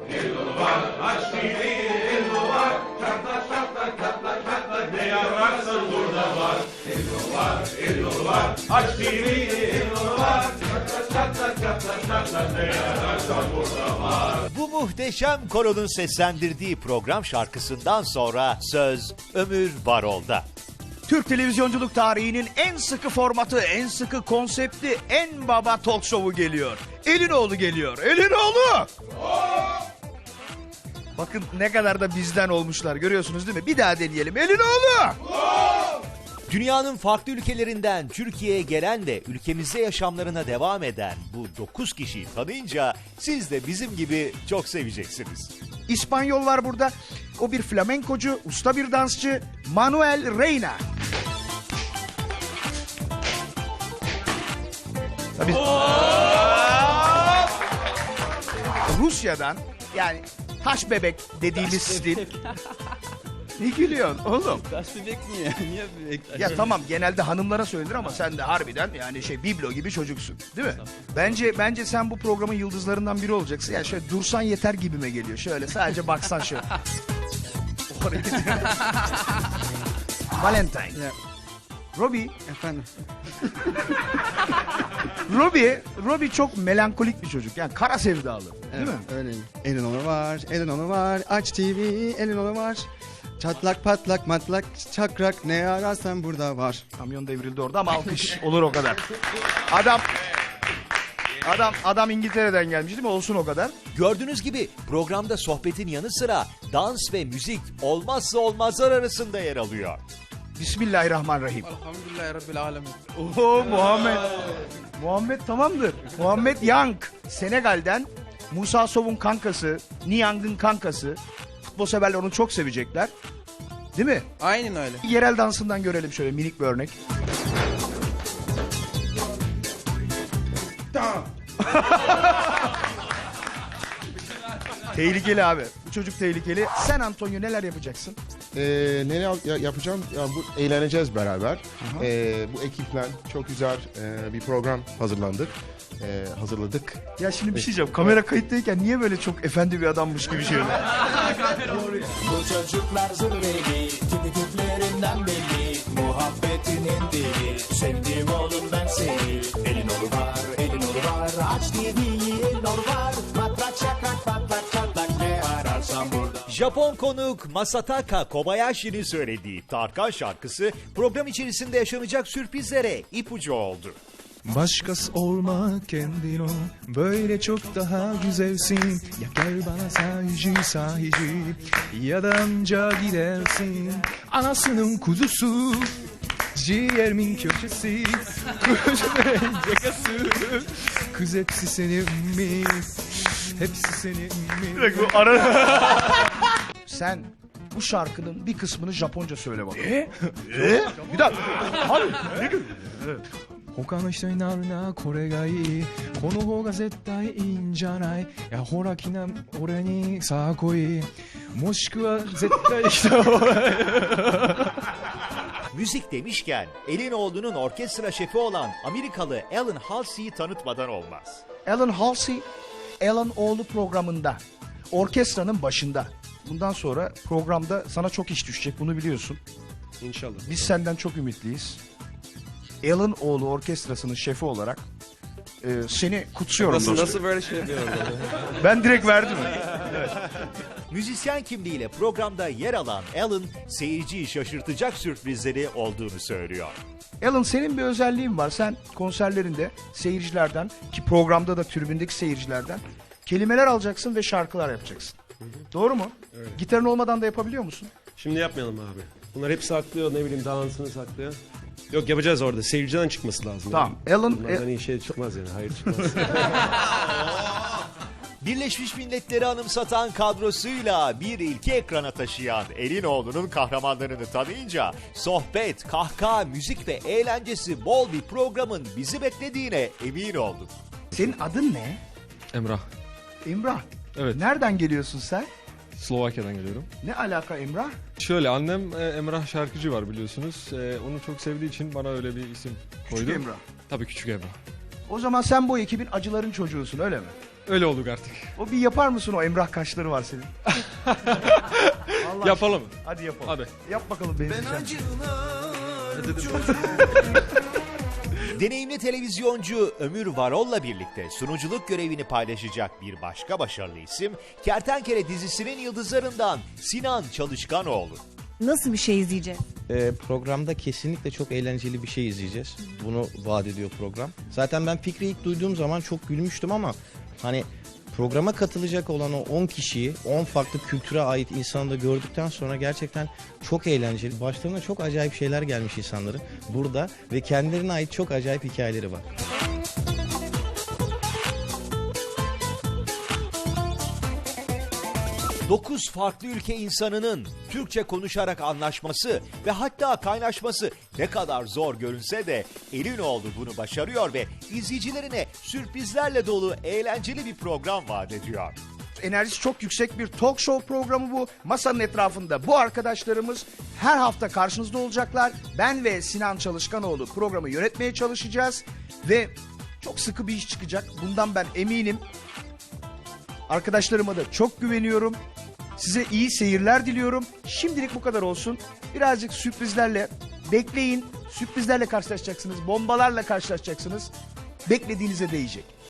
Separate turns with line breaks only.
Elin var, aç TV, elin var. Çatlak çatlak çatlak çatlak ne ararsan burada var. Elin var, aç TV, elin var. Çatlak çatlak çatlak çatlak ne ararsan burada var.
Bu muhteşem koronun seslendirdiği program şarkısından sonra söz Ömür Varol'da.
Türk televizyonculuk tarihinin en sıkı formatı, en sıkı konsepti, en baba talk show'u geliyor. Elinoğlu geliyor. Elinoğlu! Bakın ne kadar da bizden olmuşlar, görüyorsunuz değil mi? Bir daha deneyelim. Elinoğlu!
Dünyanın farklı ülkelerinden Türkiye'ye gelen ve ülkemizde yaşamlarına devam eden bu 9 kişiyi tanıyınca siz de bizim gibi çok seveceksiniz.
İspanyol var burada. O bir flamenkocu, usta bir dansçı. Manuel Reina. Tabii. Rusya'dan, yani taş bebek dediğimiz stil. Ne gülüyorsun oğlum?
Taş bebek mi ya? Niye bebek taş
Ya
bebek?
tamam, genelde hanımlara söylenir ama sen de harbiden yani biblo gibi çocuksun, değil mi? Bence sen bu programın yıldızlarından biri olacaksın. Yani şöyle dursan yeter gibime geliyor. Şöyle sadece baksan şöyle. Oraya gidiyor. Valentine.
Ya,
Robbie,
efendim.
Robbie çok melankolik bir çocuk. Yani kara sevdalı, değil mi?
Öyleyim. Elin var, elin var. Aç TV, elin var. Çatlak patlak matlak çakrak ne ararsan burada var.
Kamyon devrildi orada ama alkış olur o kadar. Adam İngiltere'den gelmiş değil mi? Olsun o kadar.
Gördüğünüz gibi programda sohbetin yanı sıra dans ve müzik olmazsa olmazlar arasında yer alıyor.
Bismillahirrahmanirrahim.
Elhamdülillahi Rabbil alemin.
Oo Muhammed tamamdır. Muhammed Yang, Senegal'den. Musa Sow'un kankası, Niang'ın kankası. Futbol severler onu çok sevecekler. Değil mi?
Aynen öyle.
Yerel dansından görelim şöyle minik bir örnek. Tehlikeli abi. Bu çocuk tehlikeli. Sen Antonio neler yapacaksın?
Yapacağım? Ya bu eğleneceğiz beraber. Bu ekiple çok güzel bir program hazırladık.
Ya şimdi bir şey diyeceğim. Kamera kayıttayken niye böyle çok efendi bir adammış gibi şey oluyor?
Bu çocuklar zırveli, tipi tiplerinden belli. Muhabbetinin dili, sevdiğim oğlum ben seni. Elin var, aç TV'yi, elin var. Matrak şakrak patlak çatlak ne ararsan burada.
Japon konuk Masataka Kobayashi'nin söylediği Tarkan şarkısı program içerisinde yaşanacak sürprizlere ipucu oldu.
Başkası olma kendin ol, böyle çok daha güzelsin. Ya gel bana sahici ya da anca gidersin. Anasının kuzusu, ciğerimin köşesi, kuzuların cakası. Kız hepsi senin mi? Hepsi senin mi?
Sen bu şarkının bir kısmını Japonca söyle bana. Bir dakika. Abi ne gülüyorsun?
他の人になるなこれがいいこの方が絶対いいんじゃないいやほらきな俺にさあ来いもしくは絶対来た方がいい
Müzik demişken Elinoğlu'nun orkestra şefi olan Amerikalı Alan Halsey'i tanıtmadan olmaz.
Alan Halsey, Alan Oğlu programında. Orkestranın başında. Bundan sonra programda sana çok iş düşecek, bunu biliyorsun.
İnşallah.
Biz senden çok ümitliyiz. Alan Oğlu orkestrasının şefi olarak seni kutsuyorum.
Nasıl böyle şey yapıyorum?
Ben direkt verdim.
Müzisyen kimliğiyle programda yer alan Alan, seyirciyi şaşırtacak sürprizleri olduğunu söylüyor.
Alan, senin bir özelliğin var. Sen konserlerinde seyircilerden, ki programda da tribündeki seyircilerden kelimeler alacaksın ve şarkılar yapacaksın. Doğru mu?
Evet.
Gitarın olmadan da yapabiliyor musun?
Şimdi yapmayalım abi. Bunlar hep saklıyor, ne bileyim dansını saklıyor. Yok, yapacağız orada. Seyirciden çıkması lazım.
Tamam.
Yani.
Alan...
Bunlardan iyi şey çıkmaz yani. Hayır çıkmaz.
Birleşmiş Milletleri anımsatan kadrosuyla bir ilki ekrana taşıyan Elinoğlu'nun kahramanlarını tanıyınca sohbet, kahkaha, müzik ve eğlencesi bol bir programın bizi beklediğine emin olduk.
Senin adın ne?
Emrah.
Emrah.
Evet.
Nereden geliyorsun sen?
Slovakya'dan geliyorum.
Ne alaka Emrah?
Şöyle, annem Emrah şarkıcı var biliyorsunuz. Onu çok sevdiği için bana öyle bir isim koydu.
Küçük Emrah.
Tabii, Küçük Emrah.
O zaman sen bu ekibin acıların çocuğusun, öyle mi?
Öyle olduk artık.
O bir yapar mısın, o Emrah kaşları var senin? Allah
Yapalım.
aşkına. Hadi yapalım.
Hadi.
Yap bakalım benzeyeceğim.
Deneyimli televizyoncu Ömür Varol'la birlikte sunuculuk görevini paylaşacak bir başka başarılı isim, Kertenkele dizisinin yıldızlarından Sinan Çalışkanoğlu.
Nasıl bir şey izleyeceğiz?
Programda kesinlikle çok eğlenceli bir şey izleyeceğiz. Bunu vaat ediyor program. Zaten ben fikri ilk duyduğum zaman çok gülmüştüm ama hani programa katılacak olan o 10 kişiyi, 10 farklı kültüre ait insanı da gördükten sonra gerçekten çok eğlenceli. Başlarına çok acayip şeyler gelmiş insanların burada ve kendilerine ait çok acayip hikayeleri var.
Dokuz farklı ülke insanının Türkçe konuşarak anlaşması ve hatta kaynaşması ne kadar zor görünse de Elinoğlu bunu başarıyor ve izleyicilerine sürprizlerle dolu eğlenceli bir program vaat ediyor.
Enerjisi çok yüksek bir talk show programı bu. Masanın etrafında bu arkadaşlarımız her hafta karşınızda olacaklar. Ben ve Sinan Çalışkanoğlu programı yönetmeye çalışacağız. Ve çok sıkı bir iş çıkacak. Bundan ben eminim. Arkadaşlarıma da çok güveniyorum. Size iyi seyirler diliyorum. Şimdilik bu kadar olsun. Birazcık sürprizlerle bekleyin. Sürprizlerle karşılaşacaksınız. Bombalarla karşılaşacaksınız. Beklediğinize değecek.